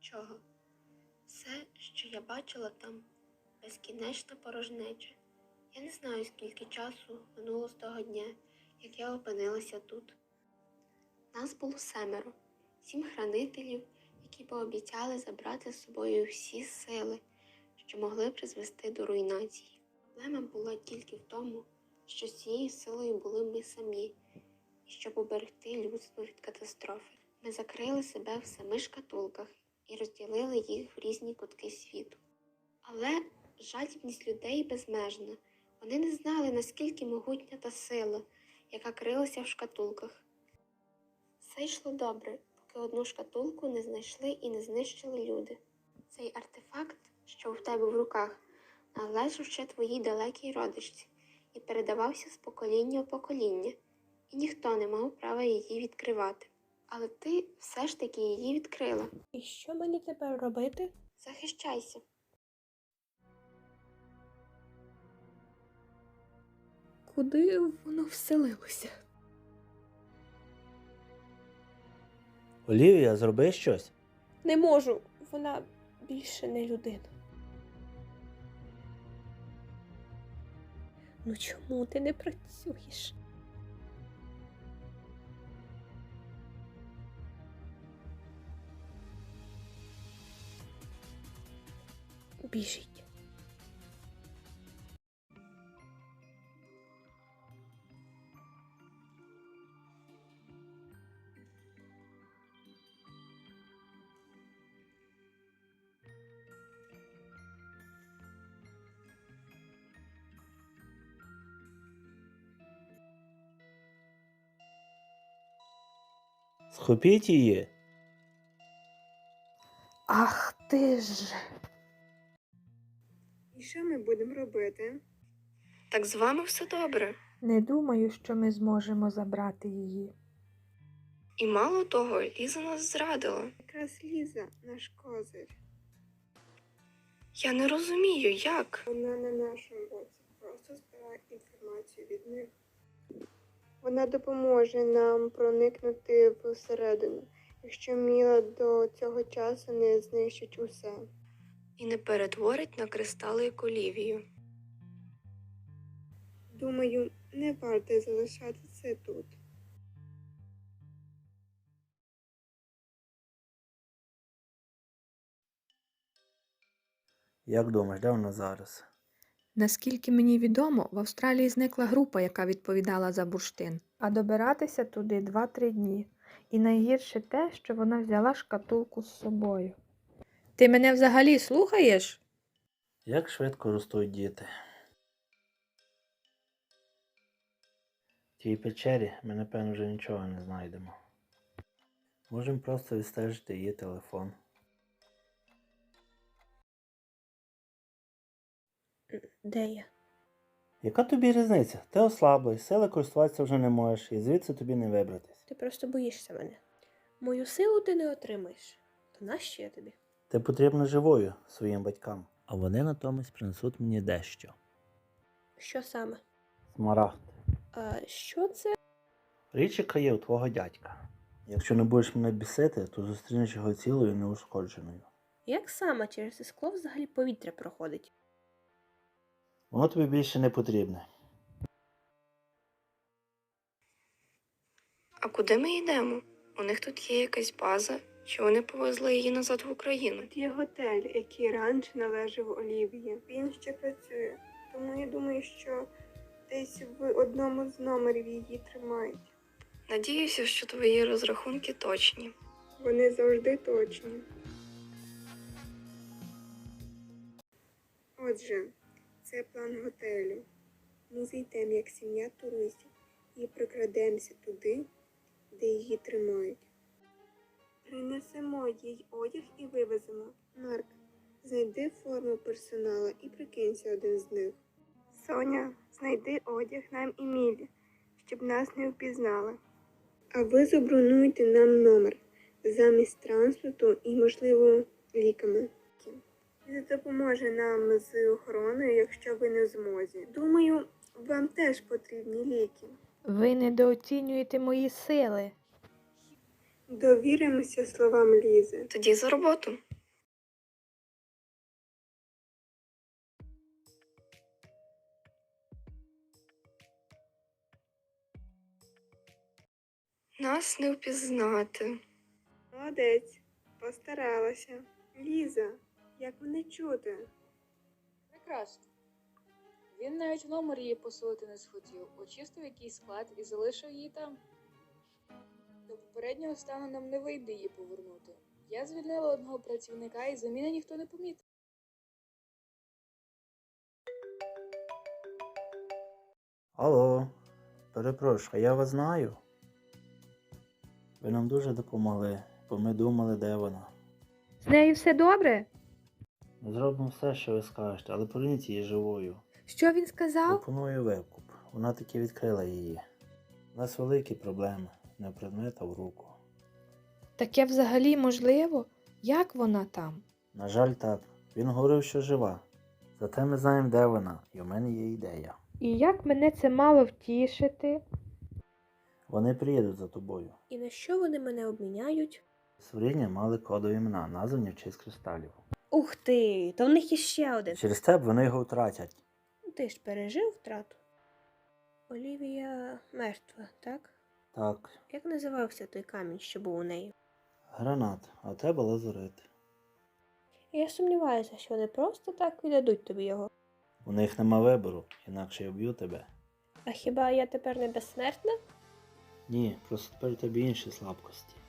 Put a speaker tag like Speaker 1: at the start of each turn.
Speaker 1: нічого. Все, що я бачила там, безкінечна порожнеча. Я не знаю, скільки часу минуло з того дня, як я опинилася тут. Нас було 7, 7 хранителів, які пообіцяли забрати з собою всі сили, що могли призвести до руйнації. Проблема була тільки в тому, що з цією силою були ми самі, і щоб уберегти людство від катастрофи. Ми закрили себе в 7 шкатулках і розділили їх в різні кутки світу. Але жадібність людей безмежна. Вони не знали, наскільки могутня та сила, яка крилася в шкатулках. Все йшло добре, поки одну шкатулку не знайшли і не знищили люди. Цей артефакт, що в тебе в руках, належав ще твоїй далекій родичці і передавався з покоління в покоління, і ніхто не мав права її відкривати. Але ти все ж таки її відкрила.
Speaker 2: І що мені тепер робити?
Speaker 1: Захищайся.
Speaker 2: Куди воно вселилося?
Speaker 3: Олівія, зроби щось.
Speaker 2: Не можу, вона більше не людина. Ну чому ти не працюєш? Біжіть.
Speaker 3: Схопіть її.
Speaker 2: Ах ти ж.
Speaker 4: І що ми будемо робити?
Speaker 1: Так з вами все добре.
Speaker 2: Не думаю, що ми зможемо забрати її.
Speaker 1: І мало того, Ліза нас зрадила.
Speaker 4: Якраз Ліза наш козир.
Speaker 1: Я не розумію, як.
Speaker 4: Вона на нашому боці. Просто збирає інформацію від них. Вона допоможе нам проникнути всередину, якщо Міла до цього часу не знищить усе.
Speaker 1: І не перетворить на кристали як Олівію.
Speaker 4: Думаю, не варто залишати це тут.
Speaker 3: Як думаєш, де вона зараз?
Speaker 2: Наскільки мені відомо, в Австралії зникла група, яка відповідала за бурштин. А добиратися туди 2-3 дні. І найгірше те, що вона взяла шкатулку з собою. Ти мене взагалі слухаєш?
Speaker 3: Як швидко ростуть діти. В тій печері ми, напевно, вже нічого не знайдемо. Можемо просто відстежити її телефон.
Speaker 2: Де я?
Speaker 3: Яка тобі різниця? Ти ослаблий, сили користуватися вже не можеш, і звідси тобі не вибратись.
Speaker 2: Ти просто боїшся мене. Мою силу ти не отримаєш. То нащо я тобі?
Speaker 3: Ти потрібна живою своїм батькам. А вони натомість принесуть мені дещо.
Speaker 2: Що саме?
Speaker 3: Смарагд.
Speaker 2: А що це?
Speaker 3: Річ, яка є у твого дядька. Якщо не будеш мене бісити, то зустрінеш його цілою і неушкодженою.
Speaker 2: Як саме через це скло взагалі повітря проходить?
Speaker 3: Воно тобі більше не потрібне.
Speaker 1: А куди ми йдемо? У них тут є якась база, чи вони повезли її назад в Україну?
Speaker 4: Тут є готель, який раніше належав Олівії. Він ще працює, тому я думаю, що десь в одному з номерів її тримають.
Speaker 1: Надіюся, що твої розрахунки точні.
Speaker 4: Вони завжди точні. Отже, це план готелю. Ми зайдемо як сім'я туристів і прокрадемося туди, де її тримають. Принесемо їй одяг і вивеземо. Марк, знайди форму персоналу і прикинься один з них. Соня, знайди одяг нам і Мілі, щоб нас не впізнали. А ви забронуйте нам номер замість транспорту і, можливо, ліками. Він допоможе нам з охороною, якщо ви не в змозі. Думаю, вам теж потрібні ліки.
Speaker 2: Ви недооцінюєте мої сили.
Speaker 4: Довіримося словам Лізи.
Speaker 1: Тоді за роботу. Нас не впізнати.
Speaker 4: Молодець, постаралася. Ліза, як мене чути?
Speaker 5: Прекрасно. Він навіть в номер її поселити не схотів, очистив якийсь склад і залишив її там. До попереднього стану нам не вийде її повернути. Я звільнила одного працівника і заміни ніхто не помітив.
Speaker 3: Алло, перепрошую, я вас знаю. Ви нам дуже допомогли, бо ми думали, де вона.
Speaker 2: З нею все добре?
Speaker 3: Ми зробимо все, що ви скажете, але поверніть її живою.
Speaker 2: Що він сказав?
Speaker 3: Пропоную викуп. Вона таки відкрила її. У нас великі проблеми, не предмет, а в руку.
Speaker 2: Таке взагалі можливо? Як вона там?
Speaker 3: На жаль, так. Він говорив, що жива. Зате ми знаємо, де вона, і у мене є ідея.
Speaker 2: І як мене це мало втішити?
Speaker 3: Вони приїдуть за тобою.
Speaker 6: І на що вони мене обміняють?
Speaker 3: Створіння мали кодові імена, названі в честь кристалів.
Speaker 6: Ух ти, то в них є ще один.
Speaker 3: Через тебе вони його втратять.
Speaker 6: Ти ж пережив втрату? Олівія мертва, так?
Speaker 3: Так,
Speaker 6: Як називався той камінь, що був у неї?
Speaker 3: гранат, а у тебе лазурит.
Speaker 6: Я сумніваюся, що вони просто так віддадуть тобі його.
Speaker 3: У них нема вибору, інакше я вб'ю тебе.
Speaker 6: А хіба я тепер не безсмертна?
Speaker 3: Ні, просто тепер у тебе інші слабкості.